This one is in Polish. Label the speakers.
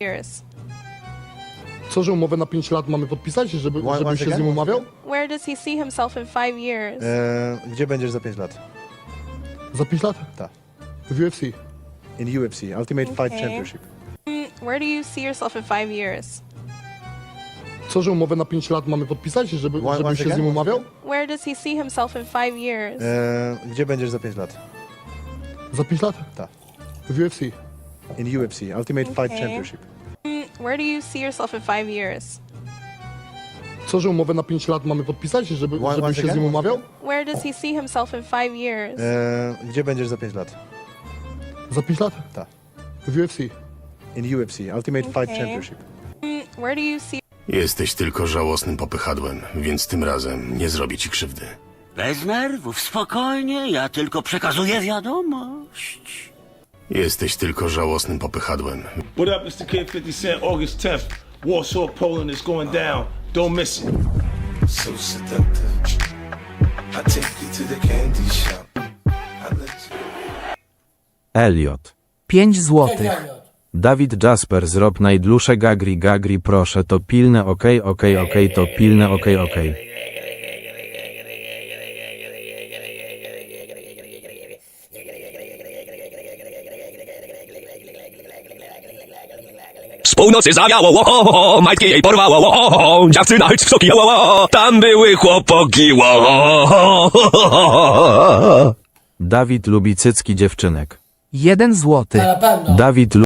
Speaker 1: years.
Speaker 2: Co, że umowę na 5 lat mamy podpisać, żebym się z nim umawiał?
Speaker 1: Where does he see himself in 5 years?
Speaker 3: Gdzie będziesz za 5 lat?
Speaker 2: Za 5 lat?
Speaker 3: Tak.
Speaker 2: W UFC.
Speaker 3: In UFC, Ultimate Fight
Speaker 1: Okay.
Speaker 3: Championship.
Speaker 1: Where do you see yourself in 5 years?
Speaker 2: Co, że umowę na 5 lat mamy podpisać, żebym się z nim umawiał?
Speaker 1: Where does he see himself in 5 years?
Speaker 3: Gdzie będziesz za 5 lat?
Speaker 2: Za 5 lat?
Speaker 3: Tak.
Speaker 2: W UFC.
Speaker 3: In UFC, Ultimate Fight
Speaker 1: Okay.
Speaker 3: Championship.
Speaker 1: Where do you see yourself in 5 years?
Speaker 2: Co, że umowę na 5 lat mamy podpisać, żebym się z nim umawiał?
Speaker 1: Where does he see himself in 5 years?
Speaker 3: Gdzie będziesz za 5 lat?
Speaker 2: Za 5 lat?
Speaker 3: Tak.
Speaker 2: W UFC.
Speaker 3: In UFC, Ultimate Fight
Speaker 1: Okay.
Speaker 3: Championship.
Speaker 1: Where do you see
Speaker 4: Jesteś tylko żałosnym popychadłem, więc tym razem nie zrobię ci krzywdy.
Speaker 5: Bez nerwów, spokojnie, ja tylko przekazuję wiadomość.
Speaker 4: Jesteś tylko żałosnym popychadłem.
Speaker 6: What up, it's the Kid 50 Cent, August 10th. Warsaw, Poland is going down. Don't miss it.
Speaker 7: So seductive. I take you to the candy shop. I let you.
Speaker 8: Elliot.
Speaker 9: 5 złotych.
Speaker 8: Dawid Jasper zrób najdłuższe gagri proszę to pilne okej to pilne okej.
Speaker 10: Z północy zawiało, majtki jej porwało, dziewczyna chyć w soki, tam były chłopoki,
Speaker 8: Dawid lubi cycki dziewczynek.
Speaker 9: 1 złoty.
Speaker 8: Dawid